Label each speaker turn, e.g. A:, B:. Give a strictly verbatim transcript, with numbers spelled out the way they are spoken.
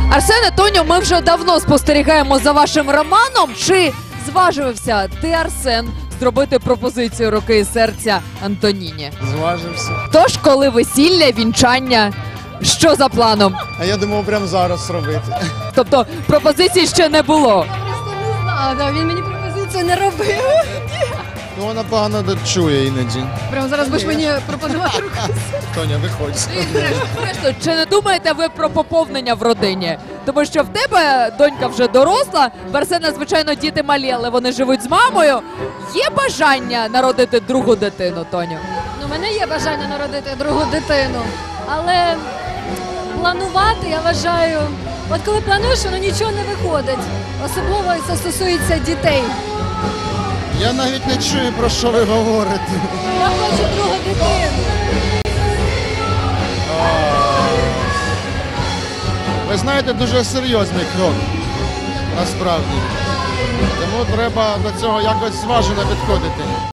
A: Арсене, Тоню, ми вже давно спостерігаємо за вашим романом. Чи зважився ти, Арсен, зробити пропозицію руки і серця Антоніні?
B: Зважився.
A: Тож, коли весілля, вінчання, що за планом?
B: А я думав прямо зараз робити.
A: Тобто пропозиції ще не було.
C: Просто не знаю, да, він мені пропозицію не робив.
B: Ну вона погано чує іноді.
C: Прямо зараз будеш мені пропонувати руку.
B: Тоня, виходь.
A: Зрештою, чи не думаєте ви про поповнення в родині? Тому що в тебе донька вже доросла, в Арсена, звичайно, діти малі, але вони живуть з мамою. Є бажання народити другу дитину, Тоню?
C: Ну, у мене є бажання народити другу дитину, але планувати, я вважаю, от коли плануєш, воно нічого не виходить. Особливо це стосується дітей.
B: Я навіть не чую, про що ви говорите.
C: Я хочу другу дитину.
B: Ви знаєте, дуже серйозний крок, насправді. Тому треба до цього якось зважено підходити.